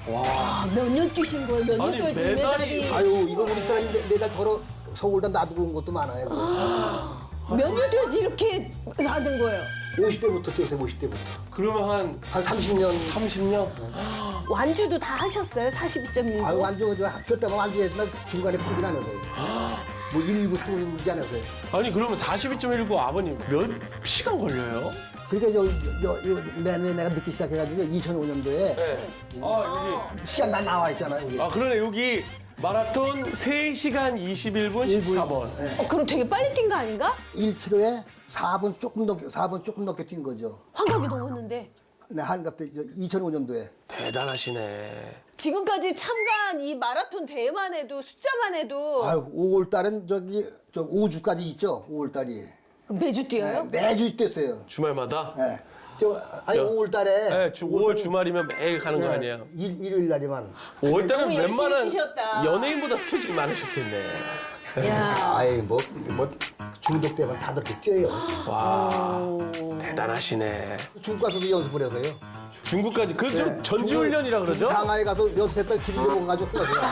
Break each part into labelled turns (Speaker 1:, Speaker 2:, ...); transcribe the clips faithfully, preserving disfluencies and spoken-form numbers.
Speaker 1: 아, 몇 년 뛰신 거예요? 몇
Speaker 2: 아니,
Speaker 1: 년 뛰지
Speaker 2: 메달이-
Speaker 1: 메달이?
Speaker 3: 아유 이거 우리 사람이 매- 매달 덜어 서울다 놔두고 온 것도 많아요.
Speaker 1: 몇 년 뛰지 이렇게 사는 거예요?
Speaker 3: 오십 대부터 뛰었어요. 오십 대부터.
Speaker 2: 그러면 한
Speaker 3: 한 삼십 년.
Speaker 2: 삼십 년?
Speaker 1: 완주도 다 하셨어요? 사십이 점 일.
Speaker 3: 아유 완주 저 학교 때만 완주했나 중간에 포기를 안 했어요. 뭐 일부 통일지 않았어요.
Speaker 2: 아니 그러면 사십이 점 일구 아버님 몇 시간 걸려요?
Speaker 3: 그러니까 요, 요, 요, 매년 내가 늦기 시작해가지고 이천오 년도에
Speaker 2: 네. 아
Speaker 3: 시간 다 나와 있잖아요. 여기.
Speaker 2: 여기. 아 그러네 여기 마라톤 세 시간 이십일 분 십사 번.
Speaker 3: 네.
Speaker 1: 어, 그럼 되게 빨리 뛴 거 아닌가?
Speaker 3: 일 킬로미터에 사 분 조금 넘게 사 분 조금 넘게 뛴 거죠.
Speaker 1: 환각이 넘었는데.
Speaker 3: 네, 한갑 때 이천오 년도에.
Speaker 2: 대단하시네.
Speaker 1: 지금까지 참가한 이 마라톤 대회만 해도 숫자만 해도
Speaker 3: 아유 오월 달은 저기 저 오 주까지 있죠. 오월 달이.
Speaker 1: 매주 뛰어요?
Speaker 3: 매주 뛰었어요.
Speaker 2: 주말마다?
Speaker 3: 네. 저 아니
Speaker 2: 야.
Speaker 3: 오월 달에
Speaker 2: 네, 주, 오월 주말이면 매일 가는 거 아니에요?
Speaker 3: 일, 일요일 날이만.
Speaker 2: 오월 달은
Speaker 1: 너무 열심히
Speaker 2: 웬만한
Speaker 1: 뛰셨다.
Speaker 2: 연예인보다 스케줄이 많으셨겠네.
Speaker 1: 야.
Speaker 3: 아이 뭐, 뭐 중독되면 다들 그렇게 뛰어요.
Speaker 2: 와 대단하시네.
Speaker 3: 중국 가서도 연습을 해서요.
Speaker 2: 중국까지 그 좀
Speaker 3: 네.
Speaker 2: 전지훈련이라
Speaker 3: 중국
Speaker 2: 그러죠?
Speaker 3: 상하이 가서 연습했다 길이 먹어가지고 흘렀어요.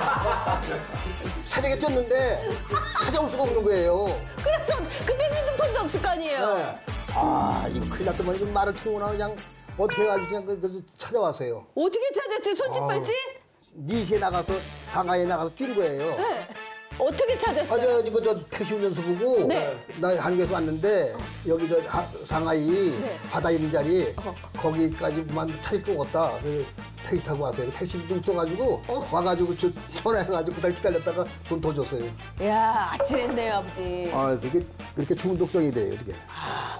Speaker 3: 새벽에 뛰었는데 찾아올 수가 없는 거예요.
Speaker 1: 그래서 그때 핸드폰도 없을 거 아니에요?
Speaker 3: 네. 아 이거 큰일 났더만 이거 말을 태우나 그냥 어떻게 해가지고 그냥 그- 그래서 찾아왔어요.
Speaker 1: 어떻게 찾았지? 손짓 발짓?
Speaker 3: 네 시에 나가서 상하이에 나가서 뛴 거예요.
Speaker 1: 네. 어떻게 찾았어요?
Speaker 3: 아, 저, 이거 저 택시 운전수 보고
Speaker 1: 네.
Speaker 3: 나 한국에서 왔는데 여기 저 하- 상하이
Speaker 1: 네.
Speaker 3: 바다 있는 자리 거기까지만 찾을 거 같다. 그래서 택시 타고 왔어요. 택시도 없어가지고
Speaker 1: 어.
Speaker 3: 와가지고 저 전화해가지고 그날 기다렸다가 돈 더 줬어요.
Speaker 1: 야, 아찔했네요, 아버지.
Speaker 3: 아 그게 그렇게 중독성이 돼요. 이게.